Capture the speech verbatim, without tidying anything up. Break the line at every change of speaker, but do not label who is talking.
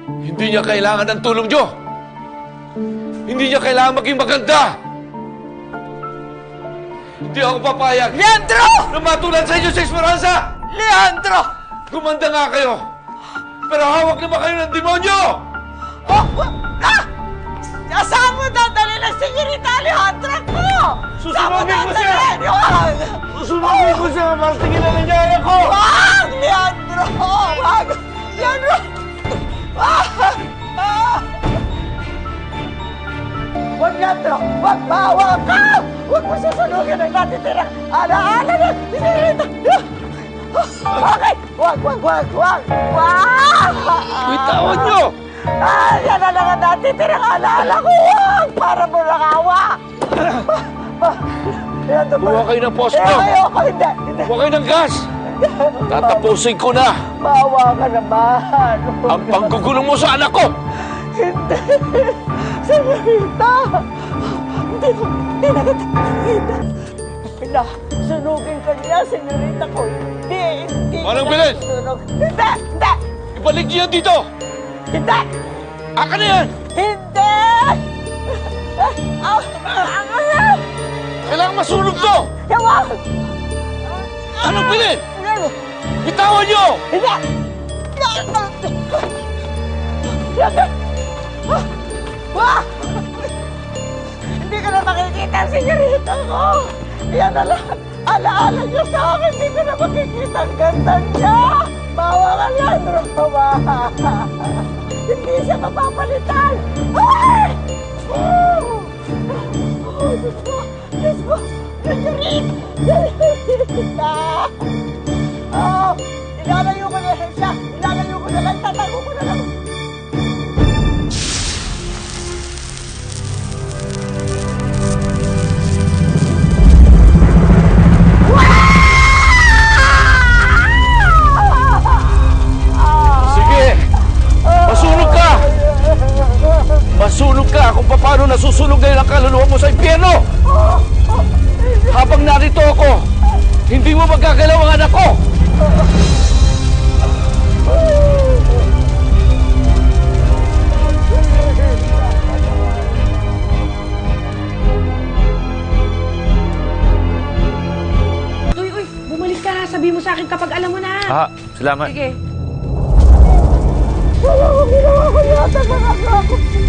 Hindi niya kailangan ng tulong niyo. Hindi niya kailangan maging maganda. Hindi ako papayag
Leandro!
na matulad sa inyo sa Esperanza!
Leandro!
Gumanda nga kayo! Pero hawak naman kayo ng demonyo!
Oh, ah! Saan mo dadali ng Senyorita Alejandra ko?
Susunugin ko siya!
Huwag!
Susunugin ko siya para tigilan niya anak ko!
Huwag! Leandro! Huwag! Leandro! Ah! Ah! Huwag, Leandro! Huwag! Bawa ka! Huwag mo susunugin ang natitirang alaala ng Senyorita! Okay! Huwag! Huwag! Huwag! Huwag! Huwag!
Bitawan niyo!
Ah, yan na lang ang natitirang alaala ko! Huwag! Para mo lang awa!
Buha kayo ng posto!
Eh, ayoko! Hindi! Hindi!
Buha kayo ng gas! Tatapusin ko na
Bawa ka naman!
ang panggugulong mo sa anak ko!
Hindi! Senyorita! Hindi ko, hindi na kita nakikita. Pina, sunugin ka niya, senyorita ko. Hindi, hindi.
Manang
kita
bilis!
susunog. Hindi, hindi,
Ibalik niyo yan dito!
hindi,
Aka na yan!
hindi! Ah, ah, ah,
Kailangan masunog to!
Yawag!
Anong pilit? Bitawan niyo!
Hindi! Hindi! Wah! Hindi ka na makikita ang senyorita ko! Yan na lang! Alaala niyo sa akin! Hindi ko na makikita ang ganda niya! Bawa ka lang, Roma! Hindi siya mapapalitan! Ay! Oh! Oh, Diyos ko! Diyos ko! Senyorita! Senyorita! Oh! Ilalayo ko na siya! Ilalayo ko na lang! Tatago ko na lang!
Sige! Masunog ka! Masunog ka kung paano nasusunog ngayon ang kaluluwa mo sa impyerno! Habang narito ako, hindi mo magagalaw ang anak ko!
Uy, uy, bumalik ka. Sabi mo sa akin kapag alam mo na.
Ah, salamat.
Sige.
Wala ko ginawa ko yata mga ako!